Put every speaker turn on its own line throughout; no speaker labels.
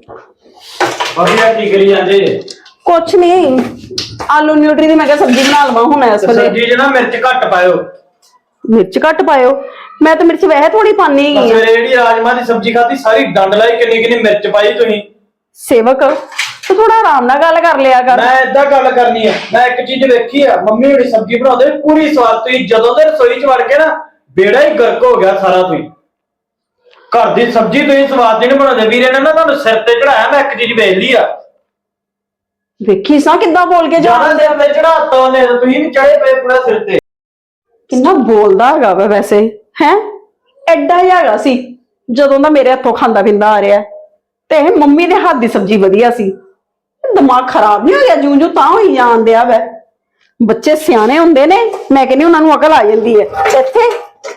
ਵਧੀਆ ਕੀ ਕਰੀ ਜਾਂਦੇ?
ਕੁਛ ਨਹੀਂ, ਆਲੂ ਨਿਊਟਰੀ ਦੀ ਮੈਂ ਕਿਹਾ ਸਬਜ਼ੀ ਬਣਾ ਲਵਾਂ ਹੁਣ ਇਸ ਵੇਲੇ।
ਸਬਜ਼ੀ 'ਚ ਨਾ ਮਿਰਚ ਘੱਟ ਪਾਇਓ।
ਮਿਰਚ ਘੱਟ ਪਾਇਓ? ਮੈਂ ਤਾਂ ਮਿਰਚ ਵੈਸੇ ਥੋੜੀ ਪਾਣੀ ਹੈਗੀ ਆ।
ਸਵੇਰੇ ਜਿਹੜੀ ਰਾਜਮਾ ਦੀ ਸਬਜ਼ੀ ਖਾਧੀ ਸਾਰੀ ਡੰਡ ਲਾਈ, ਕਿੰਨੀ ਕਿੰਨੀ ਮਿਰਚ ਪਾਈ ਤੁਸੀਂ।
ਸੇਵਕ ਤੂੰ ਥੋੜਾ ਆਰਾਮ ਨਾਲ ਗੱਲ ਕਰ ਲਿਆ ਕਰ।
ਮੈਂ ਏਦਾਂ ਗੱਲ ਕਰਨੀ ਆ। ਮੈਂ ਇੱਕ ਚੀਜ਼ ਵੇਖੀ ਆ, ਮੰਮੀ ਜਿਹੜੀ ਸਬਜ਼ੀ ਬਣਾਉਂਦੇ ਪੂਰੀ ਸਵਾਦ। ਤੁਸੀਂ ਜਦੋਂ ਦੇ ਰਸੋਈ 'ਚ ਵੜ ਕੇ ਨਾ ਬੇੜਾ ਹੀ ਗਰਕ ਹੋ ਗਿਆ ਸਾਰਾ। ਤੁਸੀਂ ਘਰ ਦੀ ਸਬਜ਼ੀ ਤੁਸੀਂ ਸਵਾਦ ਦੀ ਨਹੀਂ ਬਣਾਉਂਦੇ। ਵੀਰੇ ਨੇ ਨਾ ਤੁਹਾਨੂੰ ਸਿਰ ਤੇ ਚੜਾਇਆ। ਮੈਂ ਇੱਕ ਚੀਜ਼ ਵੇਖ ਲਈ ਆ।
ਵੇਖੀ ਸਾਂ ਕਿੱਦਾਂ ਬੋਲ ਕੇ
ਜਿਆਦਾ
ਜਾਂਦੇ।
ਸਿਰ ਤੇ ਚੜਾਤਾ ਉਹਨੇ, ਤੁਸੀਂ ਵੀ ਚੜੇ ਪਏ ਪੂਰਾ ਸਿਰ ਤੇ।
ਕਿੰਨਾ ਬੋਲਦਾ ਹੈਗਾ ਵਾ ਵੈਸੇ, ਹੈ ਐਡਾ ਹੀ ਹੈਗਾ ਸੀ ਜਦੋਂ ਦਾ ਮੇਰੇ ਹੱਥੋਂ ਖਾਂਦਾ ਪੀਂਦਾ ਆ ਰਿਹਾ। ਤੇ ਇਹ ਮੰਮੀ ਦੇ ਹੱਥ ਦੀ ਸਬਜ਼ੀ ਵਧੀਆ ਸੀ। ਦਿਮਾਗ ਖਰਾਬ ਨਹੀਂ ਹੋ ਗਿਆ ਜੂੰ ਜੂੰ ਤਾਂ ਹੋਈ ਜਾਣ ਦਿਆ ਵੈ। ਬੱਚੇ ਸਿਆਣੇ ਹੁੰਦੇ ਨੇ, ਮੈਂ ਕਹਿੰਦੀ ਉਹਨਾਂ ਨੂੰ ਅਕਲ ਆ ਜਾਂਦੀ ਹੈ। ਇੱਥੇ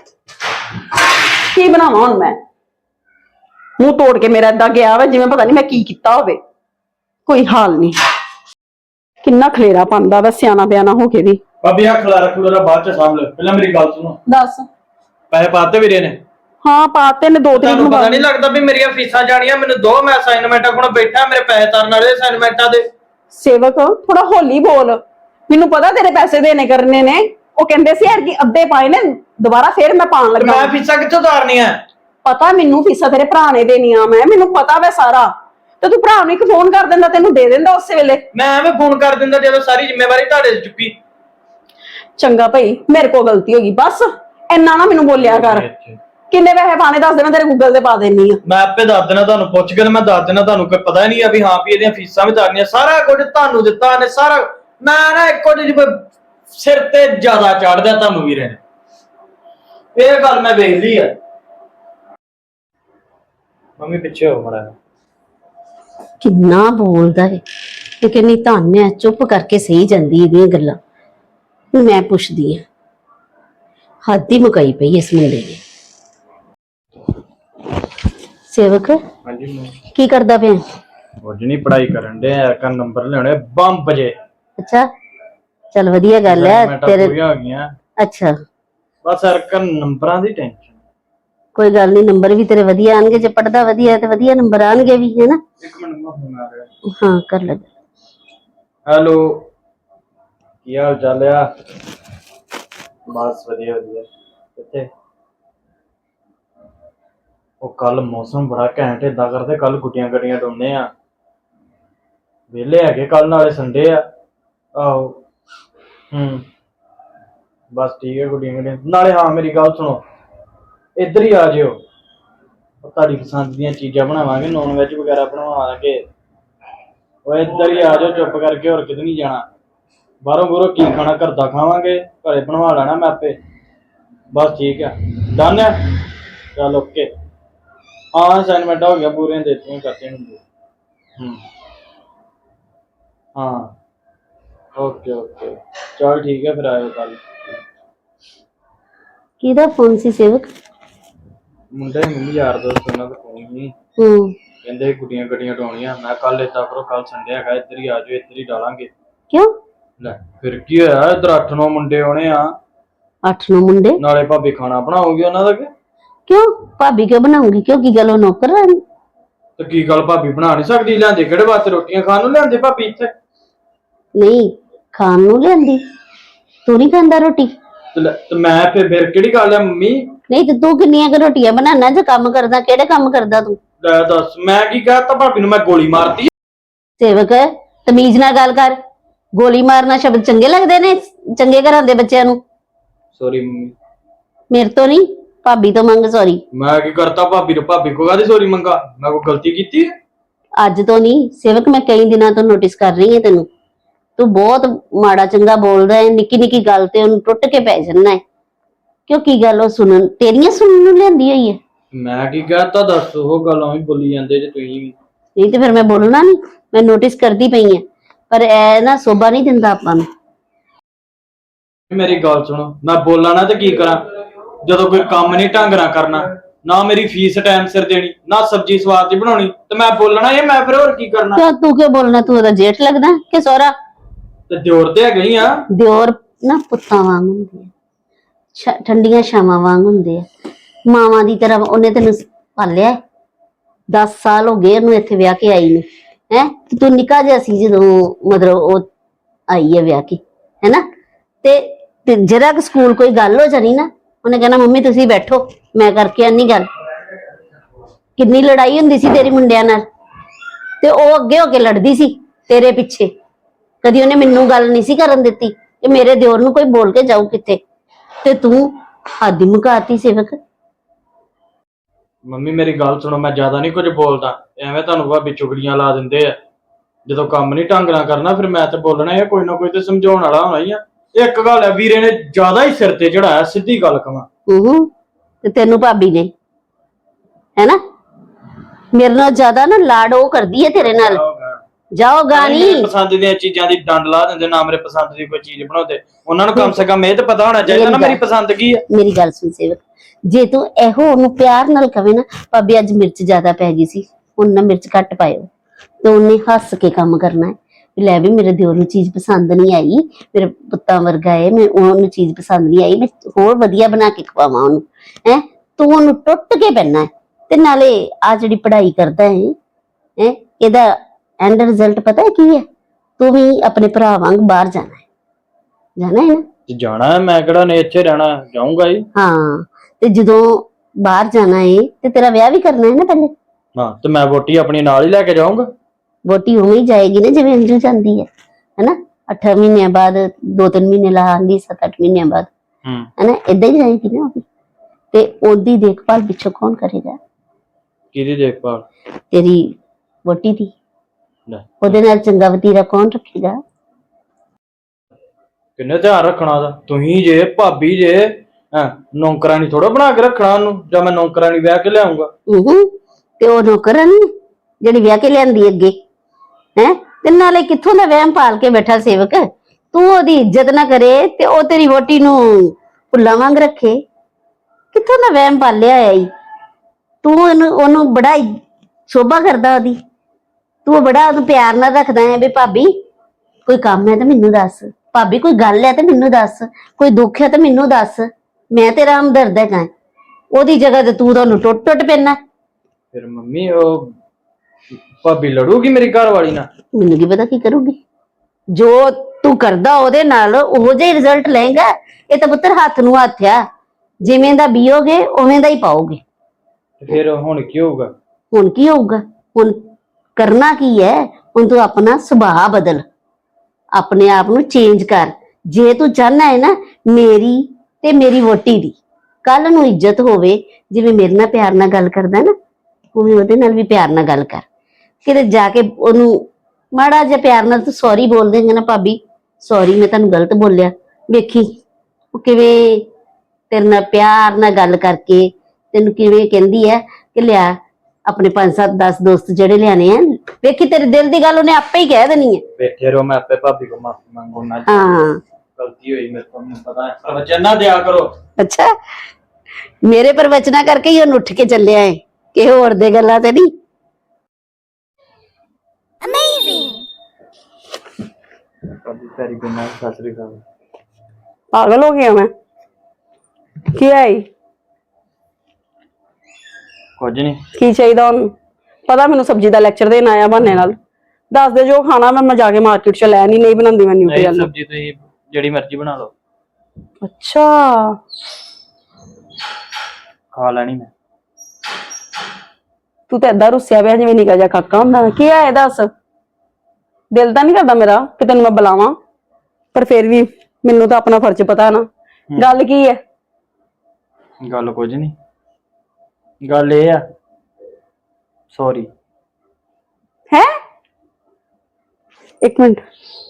ਕੀ ਬਣਾਵਾਂ ਹੁਣ ਮੈਂ? ਮੂੰਹ ਤੋੜ ਕੇ ਮੇਰਾ ਏਦਾਂ ਗਿਆ ਵਾ ਜਿਵੇਂ ਪਤਾ ਨਹੀਂ ਮੈਂ ਕੀ ਕੀਤਾ ਹੋਵੇ। ਕੋਈ ਹਾਲ ਨਹੀਂ। ਕਿੰਨਾ ਖਲੇਰਾ ਪਾਉਂਦਾ ਵਾ ਸਿਆਣਾ ਬਿਆਣਾ ਹੋ ਕੇ ਵੀ।
ਭਾਬੀ ਆ ਖਲਾਰਾ ਖਲੂਰਾ ਬਾਅਦ ਚ ਸਾਂਭ ਲਿਓ, ਪਹਿਲਾਂ ਮੇਰੀ ਗੱਲ ਸੁਣੋ।
ਦੱਸ।
ਪੈਸੇ ਪਾਤੇ ਵੀਰੇ ਨੇ?
ਹਾਂ ਪਾਤੇ ਨੇ 2 ਤਰੀਕ
ਤੁਹਾਨੂੰ
ਨੂੰ।
ਪਤਾ ਨਹੀਂ ਲੱਗਦਾ ਵੀ ਮੇਰੀਆਂ ਫੀਸਾਂ ਜਾਣੀਆਂ ਮੈਨੂੰ ਦੋ। ਮੈਂ ਅਸਾਈਨਮੈਂਟਾਂ ਕੋਲ ਬੈਠਾ, ਮੇਰੇ ਪੈਸੇ ਤਰਨ ਵਾਲੇ ਅਸਾਈਨਮੈਂਟਾਂ ਦੇ।
ਸੇਵਕ ਥੋੜਾ ਹੌਲੀ ਬੋਲ। ਮੈਨੂੰ ਪਤਾ ਤੇਰੇ ਪੈਸੇ ਦੇਣੇ ਕਰਨੇ ਨੇ। ਉਹ ਕਹਿੰਦੇ ਸੀ ਯਾਰ ਕਿ ਅੱਧੇ ਪਾਏ ਨੇ, ਦੁਬਾਰਾ ਫੇਰ ਮੈਂ ਪਾਣ ਲੱਗਾ।
ਮੈਂ ਫੀਸਾਂ ਕਿੱਥੋਂ ਤਾਰਨੀਆਂ?
ਪਤਾ ਮੈਨੂੰ ਫੀਸਾਂ ਤੇਰੇ ਭਰਾ ਨੇ ਦੇਣੀਆਂ। ਮੈਨੂੰ ਪਤਾ ਵਾ ਸਾਰਾ। ਤੇ ਤੂੰ ਭਰਾ ਨੂੰ ਇੱਕ ਫੋਨ ਕਰ ਦਿੰਦਾ, ਤੈਨੂੰ ਦੇ ਦਿੰਦਾ ਉਸੇ ਵੇਲੇ।
ਮੈਂ ਐਵੇਂ ਫੋਨ ਕਰ ਦਿੰਦਾ ਜਦੋਂ ਸਾਰੀ ਜ਼ਿੰਮੇਵਾਰੀ ਤੁਹਾਡੇ ਤੇ ਚੁੱਕੀ।
ਚੰਗਾ ਭਾਈ, ਮੇਰੇ ਕੋਲ ਗਲਤੀ ਹੋ ਗਈ, ਬਸ ਇੰਨਾ ਨਾ ਮੈਨੂੰ ਬੋਲਿਆ ਕਰ। ਕਿੰਨੇ ਪੈਸੇ ਪਾਣੇ ਦੱਸ ਦੇਣਾ, ਤੇਰੇ ਗੂਗਲ ਤੇ ਪਾ ਦੇਣੀ ਆ।
ਮੈਂ ਆਪੇ ਦੱਸ ਦੇਣਾ ਤੁਹਾਨੂੰ, ਪੁੱਛ ਕੇ ਮੈਂ ਦੱਸ ਦੇਣਾ ਤੁਹਾਨੂੰ। ਕੋਈ ਪਤਾ ਹੀ ਨਹੀਂ ਆ ਵੀ ਹਾਂ ਵੀ ਇਹਦੀਆਂ ਫੀਸਾਂ ਵੀ ਤਾਰਨੀਆਂ। ਸਾਰਾ ਕੁਝ ਤੁਹਾਨੂੰ ਦਿੱਤਾ ਨੇ ਸਾਰਾ। ਮੈਂ ਨਾ ਇੱਕੋ ਜਿਹੀ ਸਿਰ ਤੇ ਜ਼ਿਆਦਾ ਚੜ੍ਹਦਾ ਤੁਹਾਨੂੰ ਵੀਰੇ ਨੇ। ਇਹ ਗੱਲ ਮੈਂ ਵੇਖ ਲਈ ਆ। ਮੰਮੀ ਪਿੱਛੇ ਹੋ ਮੜਾ।
ਕਿੰਨਾ ਬੋਲਦਾ ਹੈ ਤੇ ਕਿੰਨੀ ਧੰਨ ਹੈ, ਚੁੱਪ ਕਰਕੇ ਸਹੀ ਜਾਂਦੀ ਇਹਦੀਆਂ ਗੱਲਾਂ। ਮੈਂ ਪੁੱਛਦੀ ਆ, ਹੱਦ ਹੀ ਮੁਕਾਈ ਪਈ ਇਸ ਮੁੰਡੇ ਨੇ। ਸੇਵਕ
ਹਾਂਜੀ
ਕੀ ਕਰਦਾ ਪਿਆ?
ਕੁਝ ਨਹੀਂ, ਪੜ੍ਹਾਈ ਕਰਨ ਦੇ ਆ। ਕਾ ਨੰਬਰ ਲੈਣੇ ਬੰਬ ਜੇ।
ਅੱਛਾ ਚਲ ਵਧੀਆ ਗੱਲ ਹੈ ਤੇਰੇ।
ਹੋ ਗਈਆਂ।
ਅੱਛਾ
ਬਸ ਅਰਕਨ ਨੰਬਰਾਂ ਦੀ ਟੈਨਸ਼ਨ।
ਕੋਈ ਗੱਲ ਨਹੀਂ, ਨੰਬਰ ਵੀ ਤੇਰੇ ਵਧੀਆ ਆਣਗੇ। ਜੇ ਪੜਦਾ ਵਧੀਆ ਤੇ ਵਧੀਆ ਨੰਬਰ ਆਣਗੇ ਵੀ, ਹੈ ਨਾ।
ਇੱਕ ਮਿੰਟ ਮੈਂ ਫੋਨ ਆ ਰਿਹਾ।
ਹਾਂ ਕਰ ਲੈ।
ਹੈਲੋ, ਕੀ ਹਾਲ ਚਾਲ ਆ? ਬਸ ਵਧੀਆ ਵਧੀਆ। ਕਿੱਥੇ? ਉਹ ਕੱਲ ਮੌਸਮ ਬੜਾ ਘੈਂਟ ਏਦਾਂ ਕਰਦੇ, ਕੱਲ ਗੁੱਡੀਆਂ ਗੱਡੀਆਂ ਡਾਉਂਦੇ ਆ। ਵਿਹਲੇ ਹੈਗੇ ਕੱਲ, ਨਾਲੇ ਸੰਡੇ ਆ। ਆਹੋ ਬਸ ਠੀਕ ਹੈ, ਗੁੱਡੀਆਂ ਗੱਡੀਆਂ ਨਾਲੇ। ਹਾਂ ਮੇਰੀ ਗੱਲ ਸੁਣੋ, ਇੱਧਰ ਹੀ ਆ ਜਿਓ। ਤੁਹਾਡੀ ਪਸੰਦ ਦੀਆਂ ਚੀਜ਼ਾਂ ਬਣਾਵਾਂਗੇ, ਨੌਨ ਵੈਜ ਵਗੈਰਾ ਬਣਾਵਾਂਗੇ। ਉਹ ਇੱਧਰ ਹੀ ਆ ਜਾਓ ਚੁੱਪ ਕਰਕੇ, ਹੋਰ ਕਿਤੇ ਨਹੀਂ ਜਾਣਾ। ਬਾਹਰੋਂ ਬੂਰੋਂ ਕੀ ਖਾਣਾ, ਘਰ ਦਾ ਖਾਵਾਂਗੇ। ਘਰੇ ਬਣਵਾ ਲੈਣਾ ਮੈਂ ਆਪੇ। ਬਸ ਠੀਕ ਆ, ਡਨ ਆ। ਚੱਲ ਓਕੇ। ਹਾਂ ਅਸਾਈਨਮੈਂਟਾਂ ਹੋ ਗਈਆਂ ਪੂਰੀਆਂ, ਦੇਤੀਆਂ ਕਰਤੀਆਂ ਹੁੰਦੀਆਂ। ਹਾਂ ਓਕੇ ਓਕੇ, ਚਲ ਠੀਕ ਹੈ ਫਿਰ ਆਇਓ ਕੱਲ।
ਕਿਹਦਾ ਫੋਨ ਸੀ ਸੇਵਕ?
ਮੁੰਡੇ ਮੰਮੀ ਯਾਰ ਦੋਸਤ, ਉਹਨਾਂ ਦਾ ਫੋਨ ਸੀ। ਕਹਿੰਦੇ ਗੁੱਡੀਆਂ ਗੱਡੀਆਂ ਡਾਉਣੀਆਂ। ਮੈਂ ਕੱਲ ਏਦਾਂ ਕਰੋ, ਕੱਲ ਸੰਡੇ ਹੈਗਾ, ਇੱਧਰ ਹੀ ਆ ਜਾਓ, ਇੱਧਰ ਹੀ ਡਾਲਾਂਗੇ।
ਕਿਉਂ?
ਲੈ ਫਿਰ ਕੀ ਹੋਇਆ, ਇੱਧਰ 8-9 ਮੁੰਡੇ ਆਉਣੇ ਆ।
8-9 ਮੁੰਡੇ?
ਨਾਲੇ ਭਾਬੀ ਖਾਣਾ ਬਣਾਉਗੀ ਉਹਨਾਂ ਦਾ।
ਕਿਉਂ ਭਾਬੀ ਕਿਉਂ ਬਣਾਉਂਗੀ? ਕਿਉਂ ਕੀ ਗੱਲ ਉਹ ਨੌਕਰ ਆ?
ਤੇ ਕੀ ਗੱਲ, ਭਾਬੀ ਬਣਾ ਨਹੀਂ ਸਕਦੀ? ਲਿਆਂਦੇ ਕਿਹੜੇ ਵਾਸਤੇ, ਰੋਟੀਆਂ ਖਾਣ ਨੂੰ ਲਿਆਂਦੇ ਭਾਬੀ ਇੱਥੇ?
ਨਹੀਂ ਖਾਣ ਨੂੰ ਲਿਆਂਦੀ। ਤੂੰ ਨਹੀਂ ਖਾਂਦਾ ਰੋਟੀ?
ਤੇ ਮੈਂ ਫਿਰ ਕਿਹੜੀ ਗੱਲ ਆ ਮੰਮੀ?
ਨਹੀਂ ਤੇ ਤੂੰ ਕਿੰਨੀਆਂ ਕੁ ਰੋਟੀਆਂ ਬਣਾਉਣਾ ਜੇ ਕੰਮ ਕਰਦਾ? ਕਿਹੜੇ ਕੰਮ ਕਰਦਾ ਤੂੰ?
ਲੈ ਦੱਸ, ਮੈਂ ਕੀ ਕਹਤਾ ਭਾਬੀ ਨੂੰ? ਮੈਂ ਗੋਲੀ ਮਾਰਤੀ?
ਸੇਵਕ ਤਮੀਜ਼ ਨਾਲ ਗੱਲ ਕਰ। ਗੋਲੀ ਮਾਰਨਾ ਸ਼ਬਦ ਚੰਗੇ ਲੱਗਦੇ ਨੇ ਚੰਗੇ ਘਰਾਂ ਦੇ ਬੱਚਿਆਂ ਨੂੰ?
Sorry mummy.
ਮੇਰੇ ਤੋਂ ਨਹੀਂ, ਭਾਬੀ ਤੋਂ ਮੰਗ ਸੌਰੀ।
ਮੈਂ ਕੀ ਕਰਤਾ ਭਾਬੀ ਨੂੰ? ਭਾਬੀ ਕੋ ਕਾਹਦੀ ਸੌਰੀ ਮੰਗਾ? ਮੈਂ ਕੋਈ ਗਲਤੀ ਕੀਤੀ ਹੈ?
ਅੱਜ ਤੋਂ ਨਹੀਂ ਸੇਵਕ, ਮੈਂ ਕਈ ਦਿਨਾਂ ਤੋਂ ਨੋਟਿਸ ਕਰ ਰਹੀ ਹਾਂ ਤੈਨੂੰ। ਤੂੰ ਬਹੁਤ ਮਾੜਾ ਚੰਗਾ ਬੋਲਦਾ ਹੈ। ਨਿੱਕੀ ਨਿੱਕੀ ਗੱਲ ਤੇ ਉਹਨੂੰ ਟੁੱਟ ਕੇ ਪੈ ਜਾਣਾ ਹੈ। ਕਿਉਂ ਕੀ ਗੱਲ ਉਹ ਤੇਰੀਆਂ ਸੁਣਨ ਨੂੰ ਲਿਆਂਦੀ ਹੋਈ ਹੈ?
ਮੈਂ ਕੀ ਕਹਤਾ ਦੱਸ? ਉਹ ਗੱਲਾਂ ਵੀ ਬੋਲੀ ਜਾਂਦੇ ਜੇ ਤੁਸੀਂ ਵੀ।
ਨਹੀਂ ਤੇ ਫਿਰ ਮੈਂ ਬੋਲਣਾ ਨਹੀਂ? ਮੈਂ ਨੋਟਿਸ ਕਰਦੀ ਪਈ ਹਾਂ, ਪਰ ਇਹ ਨਾ ਸੋਭਾ ਨਹੀਂ ਦਿੰਦਾ ਆਪਾਂ ਨੂੰ।
ਮੇਰੀ ਗੱਲ ਸੁਣੋ, ਮੈਂ ਬੋਲਾਂ ਨਾ ਤੇ ਕੀ ਕਰਾਂ? ਜਦੋਂ ਕੋਈ ਕੰਮ ਨਹੀਂ ਢੰਗ ਨਾਲ ਕਰਨਾ, ਨਾ ਮੇਰੀ ਫੀਸ ਟਾਈਮ ਸਿਰ ਦੇਣੀ, ਨਾ ਸਬਜ਼ੀ ਸਵਾਦ ਦੀ ਬਣਾਉਣੀ, ਤੇ ਮੈਂ ਬੋਲਣਾ ਇਹ? ਮੈਂ ਫਿਰ ਹੋਰ ਕੀ ਕਰਨਾ?
ਕਿਉਂ ਤੂੰ ਕਿਉਂ ਬੋਲਣਾ? ਤੂੰ ਉਹਦਾ ਜੇਠ ਲੱਗਦਾ ਕਿ ਸਹੁਰਾ?
ਤੇ ਦਿਓਰ ਤੇ ਹੈਗੇ ਹੀ ਆ।
ਦਿਓਰ ਨਾ ਪੁੱਤਾਂ ਵਾਂਗ ਹੁੰਦੇ ਆ, ਠੰਡੀਆਂ ਛਾਵਾਂ ਵਾਂਗ ਹੁੰਦੇ ਆ। ਮਾਵਾਂ ਦੀ ਤਰ੍ਹਾਂ ਉਹਨੇ ਤੈਨੂੰ ਪਾਲਿਆ। 10 ਸਾਲ ਹੋ ਗਏ ਉਹਨੂੰ ਇੱਥੇ ਵਿਆਹ ਕੇ ਆਈ ਨੂੰ ਹੈ। ਤੂੰ ਨਿੱਕਾ ਜਿਹਾ ਸੀ ਜਦੋਂ ਮਤਲਬ ਉਹ ਆਈ ਹੈ ਵਿਆਹ ਕੇ, ਹੈਨਾ। ਤੇ ਜਰਾ ਕਿ ਸਕੂਲ ਕੋਈ ਗੱਲ ਹੋ ਜਾਣੀ ਨਾ, ਉਹਨੇ ਕਹਿਣਾ ਮੰਮੀ ਤੁਸੀਂ ਬੈਠੋ ਮੈਂ ਕਰਕੇ ਆਨੀ ਗੱਲ। ਕਿੰਨੀ ਲੜਾਈ ਹੁੰਦੀ ਸੀ ਤੇਰੇ ਮੁੰਡਿਆਂ ਨਾਲ, ਤੇ ਉਹ ਅੱਗੇ ਹੋ ਕੇ ਲੜਦੀ ਸੀ ਤੇਰੇ ਪਿੱਛੇ। ਕਦੀ ਉਹਨੇ ਮੈਨੂੰ ਗੱਲ ਨਹੀਂ ਸੀ ਕਰਨ ਦਿੱਤੀ ਕਿ ਮੇਰੇ ਦਿਓਰ ਨੂੰ ਕੋਈ ਬੋਲ ਕੇ ਜਾਊ ਕਿੱਥੇ, ਤੇ ਤੂੰ ਹੱਦ ਹੀ ਮੁਕਾਤੀ ਸੇਵਕ।
ਮੰਮੀ ਮੇਰੀ ਗੱਲ ਸੁਣੋ, ਮੈਂ ਜ਼ਿਆਦਾ ਨਹੀਂ ਕੁਝ ਬੋਲਦਾ, ਐਵੇਂ ਤੁਹਾਨੂੰ ਭਾਬੀ ਚੁਗਲੀਆਂ ਲਾ ਦਿੰਦੇ ਆ। ਜਦੋਂ ਕੰਮ ਨਹੀਂ ਢੰਗ ਨਾਲ ਕਰਨਾ ਫਿਰ ਮੈਂ ਤੇ ਬੋਲਣਾ ਹੀ ਆ, ਕੋਈ ਨਾ ਕੋਈ ਤੇ ਸਮਝਾਉਣ ਵਾਲਾ ਹੋਣਾ ਹੀ ਆ। ਇੱਕ ਗੱਲ ਹੈ, ਵੀਰੇ ਨੇ ਜ਼ਿਆਦਾ ਹੀ ਸਿਰ ਤੇ ਚੜਾਇਆ, ਸਿੱਧੀ ਗੱਲ ਕਵਾਂ।
ਤੇ ਤੈਨੂੰ ਭਾਬੀ ਨੇ, ਹੈਨਾ, ਮੇਰੇ ਨਾਲ ਜ਼ਿਆਦਾ ਨਾ ਲਾਡ ਉਹ ਕਰਦੀ ਹੈ ਤੇਰੇ ਨਾਲ। ਜਾਓਗਾ ਨਹੀਂ,
ਪਸੰਦ ਦੀਆਂ ਚੀਜ਼ਾਂ ਦੀ ਡੰਡ ਲਾ ਦਿੰਦੇ ਨਾ, ਮੇਰੇ ਪਸੰਦ ਦੀ ਕੋਈ ਚੀਜ਼ ਬਣਾਉਂਦੇ। ਉਹਨਾਂ ਨੂੰ ਕਮ ਸੇ ਕਮ ਇਹ ਤਾਂ ਪਤਾ ਹੋਣਾ ਚਾਹੀਦਾ ਨਾ ਮੇਰੀ ਪਸੰਦ ਕੀ ਹੈ।
ਮੇਰੀ ਗੱਲ ਸੁਣ ਸੇਵਕ, ਜੇ ਤੂੰ ਇਹੋ ਉਹਨੂੰ ਪਿਆਰ ਨਾਲ ਕਵੇਂ ਨਾ, ਭਾਬੀ ਅੱਜ ਮਿਰਚ ਜ਼ਿਆਦਾ ਪੈ ਗਈ ਸੀ, ਹੁਣ ਨਾ ਮਿਰਚ ਘੱਟ ਪਾਇਓ, ਤੇ ਉਹਨੇ ਹੱਸ ਕੇ ਕੰਮ ਕਰਨਾ ਹੈ। ਲੈ ਵੀ ਮੇਰੇ ਦਿਓਰ ਨੂੰ ਚੀਜ਼ ਪਸੰਦ ਨਹੀਂ ਆਈ, ਮੇਰੇ ਪੁੱਤਾਂ ਵਰਗਾ ਹੈ, ਮੈਂ ਉਹਨੂੰ ਚੀਜ਼ ਪਸੰਦ ਨਹੀਂ ਆਈ, ਮੈਂ ਹੋਰ ਵਧੀਆ ਬਣਾ ਕੇ ਖਵਾਵਾਂ ਉਹਨੂੰ, ਹੈ। ਤੂੰ ਉਹਨੂੰ ਟੁੱਟ ਕੇ ਪੈਣਾ, ਤੇ ਨਾਲੇ ਆ ਜਿਹੜੀ ਪੜ੍ਹਾਈ ਕਰਦਾ ਹੈ ਇਹਦਾ ਐਂਡ ਰਿਜ਼ਲਟ ਪਤਾ ਹੈ ਕੀ ਹੈ? ਤੂੰ ਵੀ ਆਪਣੇ ਭਰਾ ਵਾਂਗ ਬਾਹਰ ਜਾਣਾ ਹੈ ਨਾ।
ਜਾਣਾ ਹੈ, ਮੈਂ ਕਿਹੜਾ ਨੇ ਇੱਥੇ ਰਹਿਣਾ, ਜਾਊਂਗਾ ਹੀ।
ਹਾਂ, ਤੇ ਜਦੋਂ ਬਾਹਰ ਜਾਣਾ ਹੈ ਤੇ ਤੇਰਾ ਵਿਆਹ ਵੀ ਕਰਨਾ ਹੈ ਨਾ ਪਹਿਲੇ।
ਹਾਂ, ਤੇ ਮੈਂ ਵੋਟੀ ਆਪਣੀ ਨਾਲ ਹੀ ਲੈ ਕੇ ਜਾਊਂਗਾ।
ਵੋਟੀ ਉਵੇਂ ਹੀ ਜਾਏਗੀ ਨਾ ਜਿਵੇਂ ਅੰਜੂ ਜਾਂਦੀ ਹੈ, ਹੈਨਾ। 8 ਮਹੀਨਿਆਂ ਬਾਅਦ 2-3 ਮਹੀਨੇ ਲਾ ਆਂਦੀ, 7-8 ਮਹੀਨਿਆਂ ਬਾਅਦ, ਹੈਨਾ, ਏਦਾਂ ਹੀ ਜਾਏਗੀ ਨਾ ਉਹ ਵੀ। ਤੇ ਉਹਦੀ ਦੇਖਭਾਲ ਪਿੱਛੋਂ ਕੌਣ ਕਰੇਗਾ?
ਕਿਹਦੀ ਦੇਖਭਾਲ?
ਤੇਰੀ ਵੋਟੀ ਦੀ। ਉਹਦੇ ਨਾਲ ਚੰਗਾ ਵਤੀਰਾ ਕੌਣ ਰੱਖੇਗਾ?
ਕਿੰਨੇ ਧਿਆਨ ਰੱਖਣਾ ਉਹਦਾ? ਤੁਸੀਂ ਜੇ, ਭਾਬੀ ਜੇ, ਨੌਕਰਾਨੀ ਥੋੜਾ ਬਣਾ ਕੇ ਰੱਖਣਾ ਉਹਨੂੰ, ਜਾਂ ਮੈਂ ਨੌਕਰਾਨੀ ਵਿਆਹ ਕੇ ਲਿਆਉਂਗਾ?
ਤੇ ਉਹ ਨੌਕਰਾਨੀ ਜਿਹੜੀ ਵਿਆਹ ਕੇ ਲਿਆਂਦੀ ਅੱਗੇ, ਹੈ। ਤੇ ਨਾਲੇ ਕਿੱਥੋਂ ਦਾ ਵਹਿਮ ਪਾਲ ਕੇ ਬੈਠਾ ਸੇਵਕ, ਤੂੰ ਉਹਦੀ ਇੱਜ਼ਤ ਨਾ ਕਰੇ ਤੇ ਉਹ ਤੇਰੀ ਵੋਟੀ ਨੂੰ ਭੁੱਲਾ ਵਾਂਗ ਰੱਖੇ। ਕਿੱਥੋਂ ਦਾ ਵਹਿਮ ਪਾਲਿਆ ਹੋਇਆ ਈ? ਤੂੰ ਉਹਨੂੰ ਬੜਾ ਸ਼ੋਭਾ ਕਰਦਾ ਉਹਦੀ, ਤੂੰ ਬੜਾ ਉਹਨੂੰ ਪਿਆਰ ਨਾਲ ਰੱਖਦਾ ਹੈ ਵੀ ਭਾਬੀ ਕੋਈ ਕੰਮ ਹੈ ਤੇ ਮੈਨੂੰ ਦੱਸ, ਭਾਬੀ ਕੋਈ ਗੱਲ ਹੈ ਤੇ ਮੈਨੂੰ ਦੱਸ, ਕੋਈ ਦੁੱਖ ਹੈ ਤੇ ਮੈਨੂੰ ਦੱਸ, ਮੈਂ ਤੇਰਾ ਹਮਦਰਦ ਹੈਗਾ। ਉਹਦੀ ਜਗ੍ਹਾ ਤੇ ਤੂੰ ਤੁਹਾਨੂੰ ਟੁੱਟ ਪੈਣਾ।
ਫਿਰ ਮੰਮੀ ਉਹ ਭਾਬੀ ਲੜੂਗੀ ਮੇਰੀ ਘਰ ਵਾਲੀ ਨਾਲ?
ਮੈਨੂੰ ਕੀ ਪਤਾ ਕੀ ਕਰੂਗੀ। ਜੋ ਤੂੰ ਕਰਦਾ ਉਹਦੇ ਨਾਲ ਉਹੋ ਜਿਹਾ ਰਿਜ਼ਲਟ ਲਏਗਾ। ਇਹ ਤਾਂ ਪੁੱਤਰ ਹੱਥ ਨੂੰ ਹੱਥ ਆ, ਜਿਵੇਂ ਦਾ ਬੀਓਗੇ ਉਵੇਂ ਦਾ ਹੀ ਪਾਓਗੇ।
ਫਿਰ ਹੁਣ ਕੀ ਹੋਊਗਾ?
ਹੁਣ ਕੀ ਹੋਊਗਾ? ਹੁਣ ਕਰਨਾ ਕੀ ਹੈ? ਹੁਣ ਤੂੰ ਆਪਣਾ ਸੁਭਾਅ ਬਦਲ, ਆਪਣੇ ਆਪ ਨੂੰ ਚੇਂਜ ਕਰ। ਜੇ ਤੂੰ ਚਾਹਨਾ ਹੈ ਨਾ ਮੇਰੀ ਤੇ ਮੇਰੀ ਵੋਟੀ ਦੀ ਕੱਲ ਨੂੰ ਇੱਜ਼ਤ ਹੋਵੇ, ਜਿਵੇਂ ਮੇਰੇ ਨਾਲ ਪਿਆਰ ਨਾਲ ਗੱਲ ਕਰਦਾ ਨਾ, ਉਵੇਂ ਉਹਦੇ ਨਾਲ ਵੀ ਪਿਆਰ ਨਾਲ ਗੱਲ ਕਰ। ਕਿਤੇ ਜਾ ਕੇ ਉਹਨੂੰ ਮਾੜਾ ਜਿਹਾ ਪਿਆਰ ਨਾਲ ਤੂੰ ਸੌਰੀ ਬੋਲ ਦੇਂਗਾ ਨਾ, ਭਾਬੀ ਸੌਰੀ ਮੈਂ ਤੁਹਾਨੂੰ ਗਲਤ ਬੋਲਿਆ, ਵੇਖੀ ਉਹ ਕਿਵੇਂ ਤੇਰੇ ਨਾਲ ਪਿਆਰ ਨਾਲ ਗੱਲ ਕਰਕੇ ਤੈਨੂੰ ਕਿਵੇਂ ਕਹਿੰਦੀ ਹੈ ਕਿ ਲਿਆ ਆਪਣੇ 5-7-10 ਦੋਸਤ ਜਿਹੜੇ ਲਿਆਣੇ ਆ, ਵੇਖੀ ਤੇਰੇ ਦਿਲ ਦੀ ਗੱਲ ਉਹਨੇ ਆਪੇ ਹੀ ਕਹਿ ਦੇਣੀ ਹੈ।
ਬੈਠੇ ਰਹੋ, ਮੈਂ ਆਪੇ ਭਾਬੀ ਕੋਲ ਮਾਫੀ ਮੰਗੂੰਗਾ।
ਹਾਂ,
ਗਲਤੀ ਹੋਈ ਮੇਰੇ ਤੋਂ, ਮੈਨੂੰ ਪਤਾ ਹੈ, ਪ੍ਰਵਚਨ ਨਾ ਦਿਆ ਕਰੋ।
ਅੱਛਾ, ਮੇਰੇ ਪ੍ਰਵਚਨਾਂ ਕਰਕੇ ਹੀ ਉਹ ਉੱਠ ਕੇ ਚੱਲਿਆ ਹੈ, ਕਿਸੇ ਹੋਰ ਦੇ ਗੱਲਾਂ ਤੇ ਨਹੀਂ।
ਤੇਰੀ ਗੁਨਾਹ ਸਤਿ ਸ੍ਰੀ ਅਕਾਲ।
ਪਾਗਲ ਹੋ ਗਿਆ ਮੈਂ? ਕੀ ਆਈ?
ਕੁਝ ਨਹੀਂ।
ਕੀ ਚਾਹੀਦਾ ਉਹਨੂੰ? ਪਤਾ ਮੈਨੂੰ ਸਬਜ਼ੀ ਦਾ ਲੈਕਚਰ ਦੇਣ ਆਇਆ ਬਹਾਨੇ ਨਾਲ। ਦੱਸ ਦੇ ਜੋ ਖਾਣਾ, ਮੈਂ ਜਾ ਕੇ ਮਾਰਕੀਟ ਚ ਲੈ ਨਹੀਂ ਬਣਾਉਂਦੀ ਮੈਂ ਨਿਊਟਰੀ ਵਾਲੀ
ਸਬਜ਼ੀ। ਤੁਸੀਂ ਜਿਹੜੀ ਮਰਜ਼ੀ ਬਣਾ ਲਓ।
ਅੱਛਾ,
ਖਾ ਲੈਣੀ ਮੈਂ।
ਤੂੰ ਤਾਂ ਏਦਾਂ ਰੁੱਸਿਆ ਪਿਆ ਜਿਵੇਂ ਨਿੱਕਾ ਜਿਹਾ ਕਾਕਾ ਹੁੰਦਾ। ਕੀ ਹੈ ਦੱਸ? ਦਿਲ ਤਾਂ ਨਹੀਂ ਕਰਦਾ ਮੇਰਾ ਕਿ ਤੈਨੂੰ ਮੈਂ ਬੁਲਾਵਾਂ, ਪਰ ਫਿਰ ਵੀ ਮੈਨੂੰ ਤਾਂ ਆਪਣਾ ਫਰਜ਼ ਪਤਾ ਨਾ। ਗੱਲ ਕੀ ਹੈ?
ਗੱਲ ਕੁਝ ਨਹੀਂ, ਗੱਲ ਇਹ ਆ, ਸੌਰੀ।
ਹੈ? ਇੱਕ ਮਿੰਟ,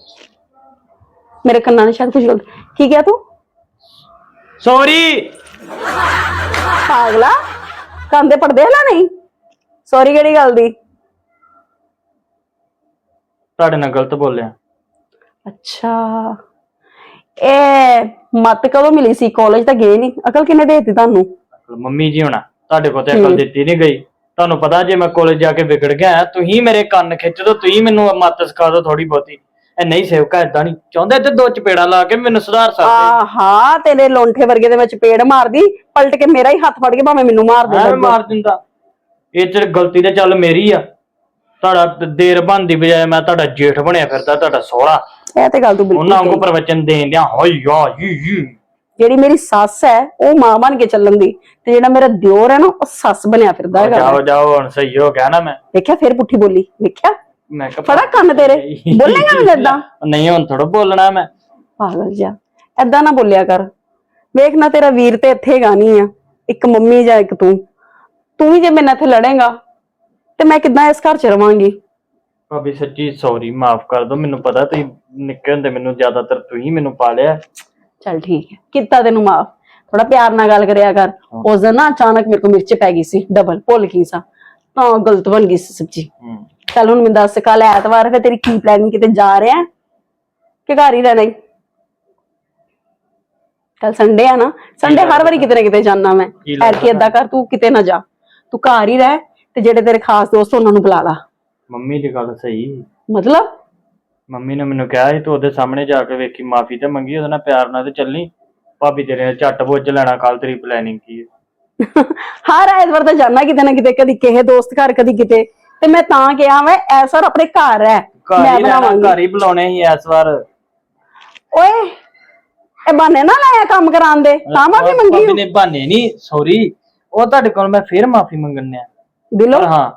ਮੇਰੇ ਕੰਨਾਂ ਨੇ ਸ਼ਾਇਦ ਕੁਝ ਗਲਤ ਕੀ ਕਿਹਾ ਤੂੰ?
ਸੌਰੀ।
ਪਾਗਲਾ, ਕੰਨ ਦੇ ਪੜਦੇ ਹਲਾ ਨਹੀਂ? ਸੌਰੀ ਕਿਹੜੀ ਗੱਲ ਦੀ?
ਤੁਹਾਡੇ ਨਾਲ ਗਲਤ ਬੋਲਿਆ।
ਅੱਛਾ, ਇਹ ਮੱਤ ਕਦੋਂ ਮਿਲੀ ਸੀ? ਕਾਲਜ ਤਾਂ ਗਏ ਨਹੀਂ, ਅਕਲ ਕਿੰਨੇ ਦੇ ਦਿੱਤੀ ਤੁਹਾਨੂੰ?
ਮੰਮੀ ਜੀ ਹੋਣਾ, ਤੁਹਾਡੇ ਕੋਲ ਤੇ ਅਕਲ ਦਿੱਤੀ ਨਹੀਂ ਗਈ। ਤੁਹਾਨੂੰ ਪਤਾ ਜੇ ਮੈਂ ਕਾਲਜ ਜਾ ਕੇ ਵਿਗੜ ਗਿਆ, ਤੁਸੀਂ ਮੇਰੇ ਕੰਨ ਖਿੱਚ ਦੋ, ਤੁਸੀਂ ਮੈਨੂੰ ਮੱਤ ਸਿਖਾ ਦੋ ਥੋੜੀ ਬਹੁਤੀ। ਇਹ ਨਹੀਂ ਸੇਵਕਾ ਏਦਾਂ ਨਹੀਂ ਚਾਹੁੰਦਾ, ਤੇ 2 ਚਪੇੜਾ ਲਾ ਕੇ ਮੈਨੂੰ ਸੁਧਾਰ ਸਕਦੇ।
ਹਾਂ, ਤੇਰੇ ਲੋਂਠੇ ਵਰਗੇ ਦੇ ਵਿੱਚ ਚਪੇੜ ਮਾਰਦੀ, ਪਲਟ ਕੇ ਮੇਰਾ ਹੀ ਹੱਥ ਫੜ ਕੇ ਭਾਵੇਂ ਮੈਨੂੰ ਮਾਰ ਦੇ।
ਮਾਰ ਦਿੰਦਾ। ਇਹ ਚ ਗਲਤੀ ਤੇ ਚੱਲ ਮੇਰੀ ਆ। ਤੁਹਾਡਾ ਦੇਰ ਬਣਦੀ ਬਜਾਏ ਮੈਂ ਤੁਹਾਡਾ ਜੇਠ ਬਣਿਆ ਫਿਰਦਾ, ਤੁਹਾਡਾ ਸਹੁਰਾ।
ਇਹ ਤੇ ਗੱਲ ਤੂੰ ਬਿਲਕੁਲ
ਉਹਨਾਂ ਨੂੰ
ਕਹੀ।
ਪ੍ਰਵਚਨ ਦੇਣ ਦਿਆਂ ਹੋਈ ਆ ਜੀ।
ਜਿਹੜੀ ਮੇਰੀ ਸੱਸ ਹੈ ਉਹ ਮਾਂ ਬਣ ਕੇ ਚੱਲਣ ਦੀ, ਤੇ ਜਿਹੜਾ ਮੇਰਾ ਦਿਓਰ ਹੈ ਨਾ ਉਹ ਸੱਸ ਬਣਿਆ ਫਿਰਦਾ ਹੈਗਾ।
ਜਾਓ ਜਾਓ, ਹੁਣ ਸਹੀ ਹੋ ਗਿਆ ਨਾ। ਮੈਂ
ਦੇਖਿਆ ਫਿਰ ਪੁੱਠੀ ਬੋਲੀ, ਦੇਖਿਆ?
ਮੈਂ ਕਿਹਾ
ਫੜਾ ਕੰਨ ਤੇਰੇ, ਬੋਲੇਗਾ ਮੈਨੂੰ ਏਦਾਂ?
ਨਹੀਂ, ਹੁਣ ਥੋੜਾ ਬੋਲਣਾ ਮੈਂ।
ਪਾਗਲ ਜਿਹਾ, ਏਦਾਂ ਨਾ ਬੋਲਿਆ ਕਰ। ਵੇਖ ਨਾ, ਤੇਰਾ ਵੀਰ ਤੇ ਇੱਥੇ ਗਾ ਨਹੀਂ ਆ, ਇੱਕ ਮੰਮੀ ਜਾਂ ਇੱਕ ਤੂੰ ਵੀ ਜੇ ਮੇਰੇ ਨਾਲ ਇੱਥੇ ਲੜੇਗਾ ਤੇ ਮੈਂ ਕਿੱਦਾਂ ਇਸ ਘਰ ਚ ਰਵਾਂਗੀ?
ਭਾਬੀ ਸੱਚੀ ਸੌਰੀ, ਮਾਫ ਕਰ ਦੋ। ਮੈਨੂੰ ਪਤਾ ਤੁਸੀਂ ਨਿੱਕੇ ਹੁੰਦੇ ਮੈਨੂੰ ਜ਼ਿਆਦਾਤਰ ਤੁਸੀਂ ਮੈਨੂੰ ਪਾਲਿਆ।
ਚੱਲ ਠੀਕ ਹੈ, ਕੀਤਾ ਤੈਨੂੰ ਮਾਫ। ਥੋੜਾ ਪਿਆਰ ਨਾਲ ਗੱਲ ਕਰਿਆ ਕਰ। ਉਸ ਦਿਨ ਨਾ ਅਚਾਨਕ ਮੇਰੇ ਕੋਲ ਮਿਰਚ ਪੈ ਗਈ ਸੀ, ਡਬਲ ਭੁੱਲ ਗਈ ਸਾਂ, ਤਾਂ ਗਲਤ ਬਣ ਗਈ ਸੀ ਸਬਜ਼ੀ। ਚੱਲ ਹੁਣ ਮੈਨੂੰ ਦੱਸ, ਕੱਲ ਐਤਵਾਰ ਫਿਰ ਤੇਰੀ ਕੀ ਪਲਾਨਿੰਗ? ਕਿਤੇ ਜਾ ਰਿਹਾ ਕਿ ਘਰ ਹੀ ਰਹਿਣਾ? ਕੱਲ ਸੰਡੇ ਆ ਨਾ, ਸੰਡੇ ਹਰ ਵਾਰੀ ਕਿਤੇ ਨਾ ਕਿਤੇ ਜਾਣਾ ਮੈਂ। ਐਰਕੀ ਏਦਾਂ ਕਰ, ਤੂੰ ਕਿਤੇ ਨਾ ਜਾ, ਤੂੰ ਘਰ ਹੀ ਰਹਿ, ਤੇ ਜਿਹੜੇ ਤੇਰੇ ਖਾਸ ਦੋਸਤ ਉਹਨਾਂ ਨੂੰ ਬੁਲਾ ਲਾ।
ਮੰਮੀ ਦੀ ਗੱਲ ਸਹੀ।
ਮਤਲਬ
ਮੰਮੀ ਨੇ ਮੈਨੂੰ ਕਿਹਾ ਸੀ ਤੂੰ ਉਹਦੇ ਸਾਹਮਣੇ ਜਾ ਕੇ ਵੇਖੀ, ਮਾਫੀ ਤੇ ਮੰਗੀ, ਉਹਦੇ ਨਾਲ ਪਿਆਰ ਨਾਲ ਤੇ ਚੱਲੀ। ਭਾਬੀ ਤੇਰੇ ਨੇ ਝੱਟ ਬੁੱਝ ਲੈਣਾ ਕੱਲ ਤੇਰੀ ਪਲੈਨਿੰਗ ਕੀ ਹੈ।
ਹਰ ਐਤਵਾਰ ਤਾਂ ਜਾਣਾ ਕਿਤੇ ਨਾ ਕਿਤੇ, ਕਦੀ ਕਿਸੇ ਦੋਸਤ ਘਰ, ਕਦੀ ਕਿਤੇ। ਤੇ ਮੈਂ ਤਾਂ ਕਿਹਾ ਮੈਂ ਐਸਾ ਆਪਣੇ ਘਰ ਹੈ, ਮੈਂ ਬਣਾਵਾਂਗੀ।
ਘਰ ਹੀ ਬੁਲਾਉਣੇ ਸੀ ਇਸ ਵਾਰ।
ਓਏ ਇਹ ਬਹਾਨੇ ਨਾ ਲਾਇਆ ਕੰਮ ਕਰਾਉਣ ਦੇ, ਤਾਂ ਮਾਫੀ ਮੰਗੀ?
ਭਾਬੀ ਨੇ ਬਹਾਨੇ ਨਹੀਂ, ਸੌਰੀ। ਉਹ ਤੁਹਾਡੇ ਕੋਲ ਮੈਂ ਫੇਰ ਮਾਫੀ ਮੰਗਣੇ ਆ
ਦਿਲੋਂ।
ਹਾਂ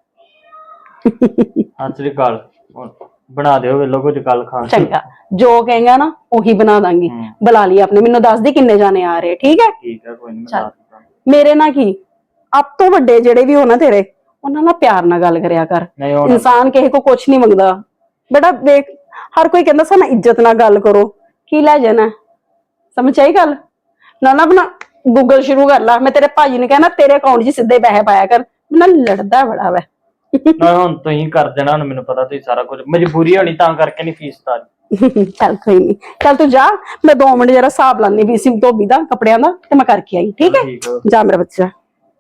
ਸਤਿ ਸ੍ਰੀ ਅਕਾਲ। ਬਣਾ ਦਿਓ ਵੇਲੋ ਕੁਝ ਕੱਲ ਖਾਣ।
ਚੰਗਾ, ਜੋ ਕਹੇਗਾ ਨਾ ਉਹੀ ਬਣਾ ਦਾਂਗੀ। ਬੁਲਾ ਲਈ ਆਪਣੇ, ਮੈਨੂੰ ਦੱਸ ਦੇ ਕਿੰਨੇ ਜਾਣੇ ਆ ਰਹੇ, ਠੀਕ ਹੈ?
ਠੀਕ ਹੈ, ਕੋਈ ਨਹੀਂ।
ਮੇਰੇ ਨਾਲ ਕੀ, ਆਪ ਤੋਂ ਵੱਡੇ ਜਿਹੜੇ ਵੀ ਹੋ ਨਾ ਤੇਰੇ, ਉਹਨਾਂ ਨਾਲ ਪਿਆਰ ਨਾਲ ਗੱਲ ਕਰਿਆ ਕਰ। ਇਨਸਾਨ ਕਿਸੇ ਕੋ ਕੁਛ ਨਹੀਂ ਮੰਗਦਾ ਬੇਟਾ। ਦੇਖ, ਹਰ ਕੋਈ ਕਹਿੰਦਾ ਸਾਨੂੰ ਇੱਜ਼ਤ ਨਾਲ ਗੱਲ ਕਰੋ, ਕੀ ਲੈ ਜਾਣਾ? ਸਮਝ ਆਈ ਗੱਲ? ਨਾ ਆਪਣਾ ਗੂਗਲ ਸ਼ੁਰੂ ਕਰ ਲਾ। ਮੈਂ ਤੇਰੇ ਭਾਜੀ ਨੂੰ ਕਹਿਣਾ ਤੇਰੇ ਅਕਾਊਂਟ 'ਚ ਸਿੱਧੇ ਪੈਸੇ ਪਾਇਆ ਕਰ। ਮੈਨੂੰ ਲੜਦਾ ਬੜਾ ਵਾ।
ਨਾ ਹੁਣ ਤੁਸੀਂ ਕਰ ਦੇਣਾ, ਹੁਣ ਮੈਨੂੰ ਪਤਾ ਤੁਸੀਂ ਸਾਰਾ ਕੁਝ, ਮਜਬੂਰੀ ਹੋਣੀ ਤਾਂ ਕਰਕੇ ਨਹੀਂ ਫੀਸ ਤਾਰੀ।
ਚੱਲ ਕੋਈ ਨਹੀਂ, ਚੱਲ ਤੂੰ ਜਾ, ਮੈਂ 2 ਮਿੰਟ ਜਰਾ ਹਿਸਾਬ ਲਾਨੀ ਵੀ ਸੀ ਧੋਬੀ ਦਾ ਕੱਪੜਿਆਂ ਦਾ, ਤੇ ਮੈਂ ਕਰਕੇ ਆਈ। ਠੀਕ ਹੈ, ਜਾ ਮੇਰਾ ਬੱਚਾ।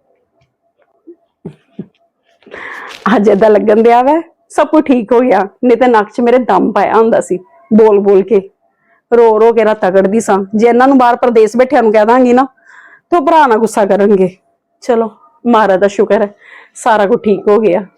ਅੱਜ ਏਦਾਂ ਲੱਗਣ ਦਿਆ ਵਾ ਸਭ ਕੁਝ ਠੀਕ ਹੋ ਗਿਆ, ਨਹੀਂ ਤੇ ਨੱਕ 'ਚ ਮੇਰੇ ਦਮ ਪਾਇਆ ਹੁੰਦਾ ਸੀ ਬੋਲ ਬੋਲ ਕੇ, ਰੋ ਰੋ ਕੇ ਨਾ ਤਗੜਦੀ ਸਾਂ। ਜੇ ਇਹਨਾਂ ਨੂੰ ਬਾਹਰ ਪ੍ਰਦੇਸ਼ ਬੈਠਿਆਂ ਨੂੰ ਕਹਿ ਦਾਂਗੀ ਨਾ ਤੇ ਉਹ ਭਰਾ ਨਾ ਗੁੱਸਾ ਕਰਨਗੇ। ਚਲੋ ਮਹਾਰਾਜ ਦਾ ਸ਼ੁਕਰ ਹੈ, ਸਾਰਾ ਕੁਝ ਠੀਕ ਹੋ ਗਿਆ।